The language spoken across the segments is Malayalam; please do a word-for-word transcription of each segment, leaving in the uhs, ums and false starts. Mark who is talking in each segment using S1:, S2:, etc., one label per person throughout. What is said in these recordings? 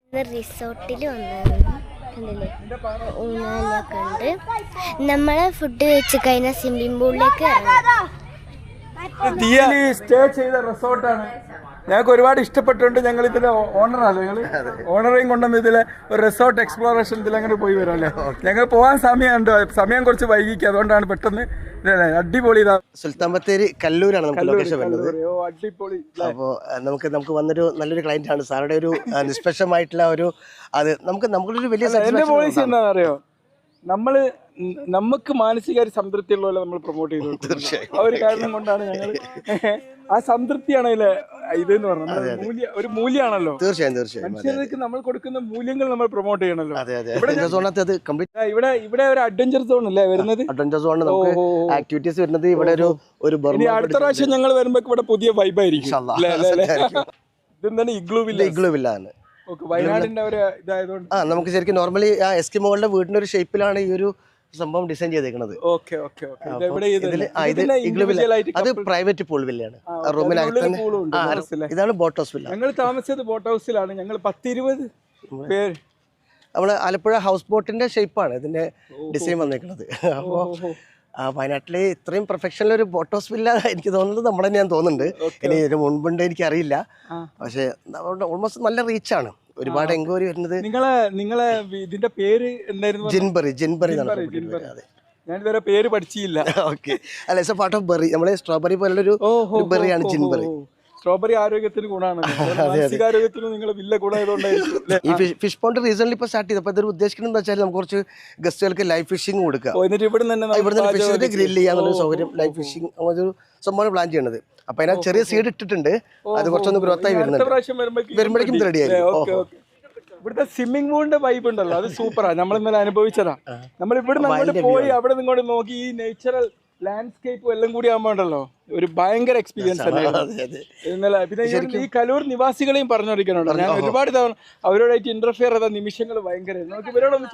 S1: റിസോർട്ടിൽ വന്നായിരുന്നു കണ്ടില്ലേ, ഊഞ്ഞാലൊക്കെ ഉണ്ട്. നമ്മളെ ഫുഡ് കഴിച്ച് കഴിഞ്ഞാൽ സ്വിമ്മിംഗ് പൂളിലേക്ക്
S2: സ്റ്റേ ചെയ്ത റിസോർട്ടാണ്. ഞങ്ങൾക്ക് ഒരുപാട് ഇഷ്ടപ്പെട്ടുണ്ട്. ഞങ്ങൾ ഇതിലെ ഓണറാണ്. ഞങ്ങൾ ഓണറേയും കൊണ്ടുവന്ന് ഇതിലെ ഒരു റിസോർട്ട് എക്സ്പ്ലോറേഷൻ ഇതിൽ അങ്ങനെ പോയി വരാം അല്ലേ. ഞങ്ങൾ പോകാൻ സമയമുണ്ട്, സമയം കുറച്ച് വൈകിക്കുക, അതുകൊണ്ടാണ് പെട്ടെന്ന് അടിപൊളി. ഇതാ
S3: സുൽത്താൻ ബത്തേരി കല്ലൂരാണ് നമുക്ക് ലൊക്കേഷൻ വരുന്നത്.
S2: അടിപൊളി.
S3: അപ്പോൾ നമുക്ക് നമുക്ക് വന്നൊരു നല്ലൊരു ക്ലയന്റ് ആണ് സാറുടെ ഒരു നിഷ്പക്ഷമായിട്ടുള്ള ഒരു അത് നമുക്ക് നമുക്കൊരു വലിയ
S2: എന്റെ പോളിസി എന്താണെന്ന് അറിയോ, നമ്മള് നമുക്ക് മാനസികമായി സംതൃപ്തി ഉള്ള പോലെ നമ്മൾ പ്രൊമോട്ട് ചെയ്തു. ആ ഒരു കാരണം കൊണ്ടാണ് ഞങ്ങൾ ആ സംതൃപ്തിയാണ് ഇതിലെ ഇതെന്ന് പറഞ്ഞത്. മൂല്യ ഒരു മൂല്യമാണല്ലോ.
S3: തീർച്ചയായും തീർച്ചയായും
S2: മനുഷ്യർക്ക് നമ്മൾ കൊടുക്കുന്ന മൂല്യങ്ങൾ നമ്മൾ പ്രൊമോട്ട് ചെയ്യണല്ലോ.
S3: ഇവിടെ
S2: ഇവിടെ ഇവിടെ ഒരു അഡ്വഞ്ചർ സോൺ അല്ലേ വരുന്നത്.
S3: അഡ്വഞ്ചർ സോൺ നമുക്ക് ആക്ടിവിറ്റീസ് വരുന്നത് ഇവിടെ ഒരു ഒരു
S2: അടുത്ത പ്രാവശ്യം ഞങ്ങൾ വരുമ്പോ ഇവിടെ പുതിയ വൈബായിരിക്കും. ഇതെന്താണ് ഇഗ്ലൂ വില്ല.
S3: ഇഗ്ലൂ വില്ല ആണ്
S2: വയനാടിന്റെ ഒരു ഇതായതുകൊണ്ട്
S3: ആ നമുക്ക് ശരിക്കും നോർമലി ആ എസ്കിമോകളുടെ വീടിന്റെ ഒരു ഷേപ്പിലാണ് ഈ ഒരു സംഭവം ഡിസൈൻ ചെയ്തേക്കുന്നത്. അത് പ്രൈവറ്റ് പൂൾ വില്ലയാണ്. റൂമിനകത്ത് ഇതാണ് ബോട്ട് ഹൗസ് വില്ല.
S2: ഞങ്ങൾ താമസിച്ചത് ബോട്ട് ഹൗസിലാണ്. ഞങ്ങൾ പത്തിരുപത് പേര്
S3: നമ്മള് ആലപ്പുഴ ഹൗസ് ബോട്ടിന്റെ ഷേപ്പാണ് ഇതിന്റെ ഡിസൈൻ വന്നേക്കുന്നത്. അപ്പോ വയനാട്ടിലെ ഇത്രയും പ്രൊഫഷണൽ ഒരു ബോട്ട് ഹൗസ് വില്ല എനിക്ക് തോന്നുന്നത് നമ്മുടെ തന്നെയാണ് തോന്നുന്നുണ്ട്. ഇനി ഇതിന് മുൻപുണ്ട് എനിക്കറിയില്ല, പക്ഷെ ഓൾമോസ്റ്റ് നല്ല റീച്ചാണ്. ഒരുപാട് എൻക്വയറി വരുന്നത്.
S2: നിങ്ങളെ നിങ്ങളെ ഇതിന്റെ പേര് എന്തായിരുന്നു?
S3: ജിൻബറി. ജിൻബറി
S2: ഞാൻ ഇതുവരെ പേര് പഠിച്ചില്ല.
S3: ഓക്കെ, അല്ല it's a part of berry. നമ്മളെ സ്ട്രോബെറി പോലുള്ളൊരു ബെറിയാണ് ജിൻബറി.
S2: സ്ട്രോബെറി ആരോഗ്യത്തിന് ഗുണമാണ്. മാനസികാരോഗ്യത്തിന് നിങ്ങൾ വില്ല ഗുണമായതുകൊണ്ടായിരിക്കും.
S3: ഈ ഫിഷ് പോണ്ട് റീസൺലി ഇപ്പൊ സ്റ്റാർട്ട് ചെയ്തപ്പോൾ ഇതൊരു ഉദ്ദേശിക്കുന്നത് എന്താ വെച്ചാൽ നമുക്ക് കുറച്ച് ഗസ്റ്റുകൾക്ക് ലൈവ് ഫിഷിംഗ് കൊടുക്കുക. ഇവിടെ ഫിഷ് ഗ്രില്ല് ചെയ്യാനുള്ള സൗകര്യം, ലൈവ് ഫിഷിംഗ് ഒരു സംഭവം പ്ലാൻ ചെയ്യണത്. അപ്പൊ അതിനാ ചെറിയ സീഡ് ഇട്ടിട്ടുണ്ട്. അത് കുറച്ചൊന്ന് ഗ്രോത്ത് ആയി വരുന്നുണ്ട്. വരുമ്പോഴേക്കും റെഡി ആയിരിക്കും.
S2: ഇവിടുത്തെ സ്വിമ്മിംഗ് പൂളിന്റെ വൈബ് ഉണ്ടല്ലോ, അത് സൂപ്പറാ. നമ്മൾ ഇന്നലെ അനുഭവിച്ചതാ. നമ്മൾ ഇവിടെ അങ്ങോട്ട് പോയി അവിടെ നിങ്ങോട്ട് നോക്കി ഈ നേച്ചുറൽ ലാൻഡ്സ്കേപ്പും എല്ലാം കൂടി ആകുമ്പോ ഉണ്ടല്ലോ ഒരു ഭയങ്കര എക്സ്പീരിയൻസ് തന്നെയാണ് ഇന്നലെ. പിന്നെ ഈ കലൂർ നിവാസികളെയും പറഞ്ഞോണ്ടിരിക്കണുണ്ടോ, ഞാൻ ഒരുപാട് തവണ അവരോടായിട്ട് ഇന്റർഫിയർ ചെയ്ത നിമിഷങ്ങൾ ഭയങ്കര. നമുക്ക് ഇവരോടൊന്ന്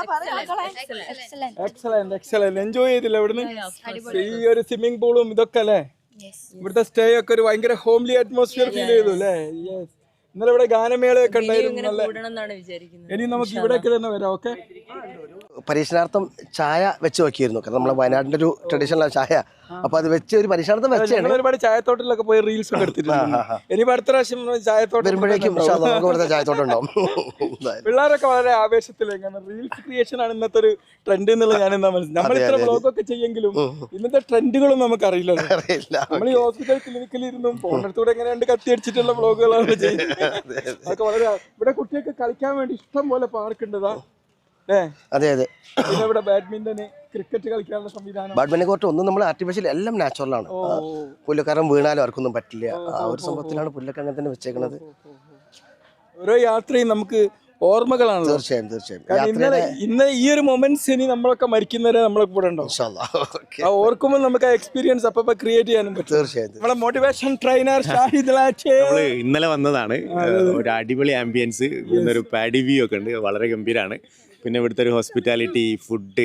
S2: എക്സലന്റ് എക്സലന്റ് എൻജോയ് ചെയ്തില്ല ഇവിടുന്ന്. ഈ ഒരു സ്വിമ്മിംഗ് പൂളും ഇതൊക്കെ അല്ലേ, ഇവിടുത്തെ സ്റ്റേ ഒക്കെ ഒരു ഭയങ്കര ഹോംലി അറ്റ്മോസ്ഫിയർ ഫീൽ ചെയ്തു അല്ലേ. യെസ്, ഇന്നലെ ഇവിടെ ഗാനമേളയൊക്കെ ഉണ്ടായിരുന്നു. ഇനി നമുക്ക് ഇവിടേക്ക് തന്നെ വരാം. ഓക്കെ,
S3: പരീക്ഷണാർത്ഥം ചായ വെച്ച് നോക്കിയിരുന്നു. കാരണം നമ്മളെ വയനാടിന്റെ ഒരു ട്രഡീഷണൽ ചായ. അപ്പൊ അത് വെച്ച് ഒരു പരീക്ഷണാർത്ഥം വെച്ചാണ്.
S2: ഒരുപാട് ചായത്തോട്ടിലൊക്കെ പോയി റീൽസ് ഒക്കെ എടുത്തിട്ടുണ്ട്. ഇനി അടുത്ത പ്രാവശ്യം ചായത്തോട്ടം
S3: വരുമ്പോഴേക്കും ചായത്തോട്ടം ഉണ്ടാവും.
S2: പിള്ളേരൊക്കെ വളരെ ആവേശത്തിലേക്കാണ്. റീൽസ് ക്രിയേഷൻ ആണ് ഇന്നത്തെ ഒരു ട്രെൻഡ് എന്നുള്ളത് ഞാൻ എന്താ മനസ്സിലായി. നമ്മൾ ഇത്ര വ്ലോഗൊക്കെ ചെയ്യെങ്കിലും ഇന്നത്തെ ട്രെൻഡുകളും നമുക്ക് അറിയില്ല. നമ്മൾ ഈ ഹോസ്പിറ്റൽ ക്ലിനിക്കിലിരുന്നും ഫോണിനടുത്തൂടെ എങ്ങനെയുണ്ട് കത്തി അടിച്ചിട്ടുള്ള വ്ലോഗുകളാണ് ചെയ്യുന്നത്. അതൊക്കെ വളരെ. ഇവിടെ കുട്ടികൾക്ക് കളിക്കാൻ വേണ്ടി ഇഷ്ടം പോലെ പാർക്ക് ഉണ്ടതാ.
S3: അതെ അതെ,
S2: പിന്നെ ഇവിടെ ബാഡ്മിന്റൺ, ക്രിക്കറ്റ് കളിക്കാനുള്ള സംവിധാനം.
S3: ബാഡ്മിന്റൺ കോർട്ട് ഒന്നും നമ്മൾ ആർട്ടിഫിഷ്യൽ, എല്ലാം നാച്ചുറൽ ആണ്. പുല്ലക്കാരൻ വീണാലും ആർക്കൊന്നും പറ്റില്ല. ആ ഒരു സംഭവത്തിലാണ് പുല്ലൊക്കെ അങ്ങനെ തന്നെ വെച്ചേക്കുന്നത്. ഓരോ
S2: യാത്രയും നമുക്ക് ഓർമ്മകളാണ്.
S3: തീർച്ചയായും തീർച്ചയായും.
S2: ഇന്നലെ ഇന്ന് ഈ ഒരു മൊമെന്റ്സ് ഇനി നമ്മളൊക്കെ മരിക്കുന്നവരെ നമ്മളെ കൂടെ ഉണ്ടാവും. ഓർക്കുമ്പോൾ നമുക്ക് ആ എക്സ്പീരിയൻസ് അപ്പൊ ക്രിയേറ്റ് ചെയ്യാനും പറ്റും.
S3: തീർച്ചയായും.
S2: നമ്മളെ മോട്ടിവേഷൻ ട്രെയിനർ ഷാഹിദ് ലാച്ചേ
S4: ഇന്നലെ വന്നതാണ്. ഒരു അടിപൊളി ആംബിയൻസ്, ഒരു പാഡി വ്യൂ ഒക്കെ ഉണ്ട്, വളരെ ഗംഭീരമാണ്. പിന്നെ ഇവിടുത്തെ ഒരു ഹോസ്പിറ്റാലിറ്റി, ഫുഡ്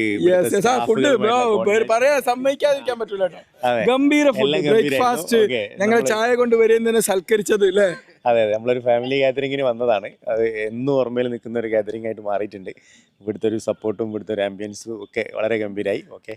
S2: ഫുഡ് പറയാ സമ്മതിക്കാതിരിക്കാൻ പറ്റൂല. ഗംഭീര ഫുഡ്, ബ്രേക്ക്ഫാസ്റ്റ്, ഞങ്ങൾ ചായ കൊണ്ട് വരുന്നതിനെ സൽക്കരിച്ചത് അല്ലേ.
S4: അതെ അതെ, നമ്മളൊരു ഫാമിലി ഗാദറിങ്ങിന് വന്നതാണ്. അത് എന്നും ഓർമ്മയിൽ നിൽക്കുന്ന ഒരു ഗാദറിംഗ് ആയിട്ട് മാറിയിട്ടുണ്ട്. ഇവിടുത്തെ ഒരു സപ്പോർട്ടും ഇവിടുത്തെ ഒരു ആംബിയൻസും ഒക്കെ വളരെ ഗംഭീരായി. ഓക്കെ,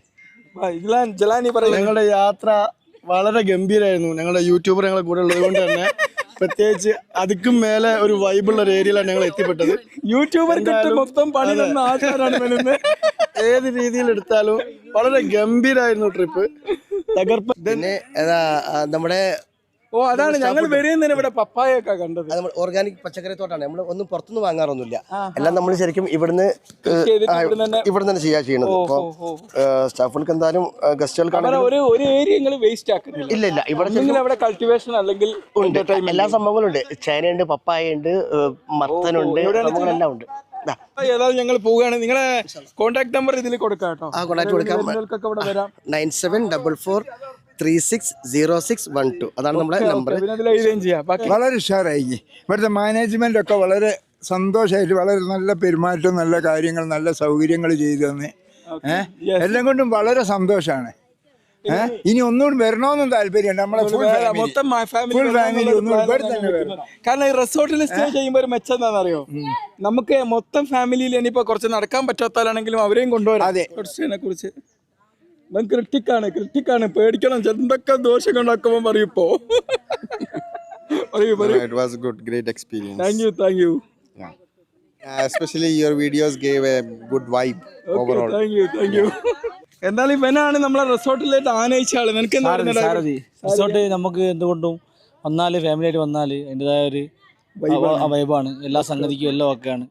S5: ഞങ്ങളുടെ യാത്ര വളരെ ഗംഭീരമായിരുന്നു. ഞങ്ങളുടെ യൂട്യൂബർ ഞങ്ങളെ കൂടെ ഉള്ളത് കൊണ്ട് തന്നെ പ്രത്യേകിച്ച് അതിക്കും മേലെ ഒരു വൈബുള്ള ഒരു ഏരിയയിലാണ് ഞങ്ങൾ എത്തിപ്പെട്ടത്.
S2: യൂട്യൂബർ മൊത്തം പണി തന്ന ആൾക്കാരാണ്.
S5: ഏത് രീതിയിൽ എടുത്താലും വളരെ ഗംഭീരമായിരുന്നു ട്രിപ്പ്, തകർപ്പ്.
S3: പിന്നെ നമ്മുടെ
S2: ഓ അതാണ് ഞങ്ങൾ വരുന്നതിന് ഇവിടെ പപ്പായൊക്കെ കണ്ടത്.
S3: നമ്മൾ ഓർഗാനിക് പച്ചക്കറി തോട്ടാണ്. നമ്മൾ ഒന്നും പുറത്തുനിന്ന് വാങ്ങാറൊന്നുമില്ല. എല്ലാം നമ്മൾ ശരിക്കും ഇവിടുന്ന് ഇവിടെ തന്നെ ചെയ്യാ ചെയ്യണത്. ഇപ്പൊ സ്റ്റാഫുകൾക്ക് എന്തായാലും ഗസ്റ്റുകൾക്കാണ്
S2: ഒരു ഏരിയ വേസ്റ്റ് ആക്കുന്നില്ല.
S3: ഇല്ല ഇല്ല, ഇവിടെ
S2: കൾട്ടിവേഷൻ അല്ലെങ്കിൽ
S3: എല്ലാ സംഭവങ്ങളും ഉണ്ട്. ചേനയുണ്ട്, പപ്പായ ഉണ്ട്, മത്തനുണ്ട്, എല്ലാം ഉണ്ട്.
S2: ഏതായാലും ഞങ്ങൾ പോവുകയാണ്. നിങ്ങളെ കോൺടാക്ട് നമ്പർ ഇതിൽ കൊടുക്കാം കേട്ടോ.
S3: ആ കോൺടാക്ട് കൊടുക്കാം. Nine seven double four three six zero six one two അതാണ് നമ്മുടെ നമ്പർ.
S6: വളരെ ഉഷാറായി. ഇവിടുത്തെ മാനേജ്മെന്റ് ഒക്കെ വളരെ സന്തോഷമായിട്ട് വളരെ നല്ല പെരുമാറ്റം, നല്ല കാര്യങ്ങൾ, നല്ല സൗകര്യങ്ങൾ ചെയ്തു തന്നെ. ഏഹ് എല്ലാം കൊണ്ടും വളരെ സന്തോഷമാണ്. ഏഹ് ഇനി ഒന്നുകൂടി വരണമെന്നും താല്പര്യമുണ്ട് നമ്മളെ ഫുൾ
S2: വേറെ മൊത്തം ഫാമിലി
S6: ഫുൾ ഫാമിലി ഒന്നും ഇവിടെ തന്നെ വരണം.
S2: കാരണം ഈ റിസോർട്ടിൽ സ്റ്റേ ചെയ്യുമ്പോൾ ഒരു മെച്ചം എന്താണെന്നറിയോ, നമുക്ക് മൊത്തം ഫാമിലിയിൽ ഇനിയിപ്പോ കുറച്ച് നടക്കാൻ പറ്റാത്താലാണെങ്കിലും അവരെയും കൊണ്ടുവരാം.
S6: അതെ.
S2: കുറച്ചിനെ കുറിച്ച് ക്രിട്ടിക്കാണ് ക്രിട്ടിക്കാണ് പേടിക്കണം, എന്തൊക്കെ ദോഷം ഉണ്ടാക്കുമ്പോ പറയൂ ഇപ്പോ. പറയൂ പറയൂ.
S7: It was a good, great experience.
S2: Thank you thank you.
S7: Uh, especially your videos gave a good vibe overall.
S2: Thank you thank you. എന്നാലും ഇവനാണ് നമ്മളെ റിസോർട്ടിലേക്ക് ആനയിച്ച ആള്. നിനക്ക് എന്താ
S8: സാരഥി
S2: പറയുന്നത്?
S8: സാരഥി റിസോർട്ട് നമുക്ക് എന്തുകൊണ്ടും വന്നാല് ഫാമിലി ആയിട്ട് വന്നാല് അതിൻ്റെതായ ഒരു വൈബാണ്, എല്ലാ സംഗതിക്കും എല്ലാം ഒക്കെയാണ്.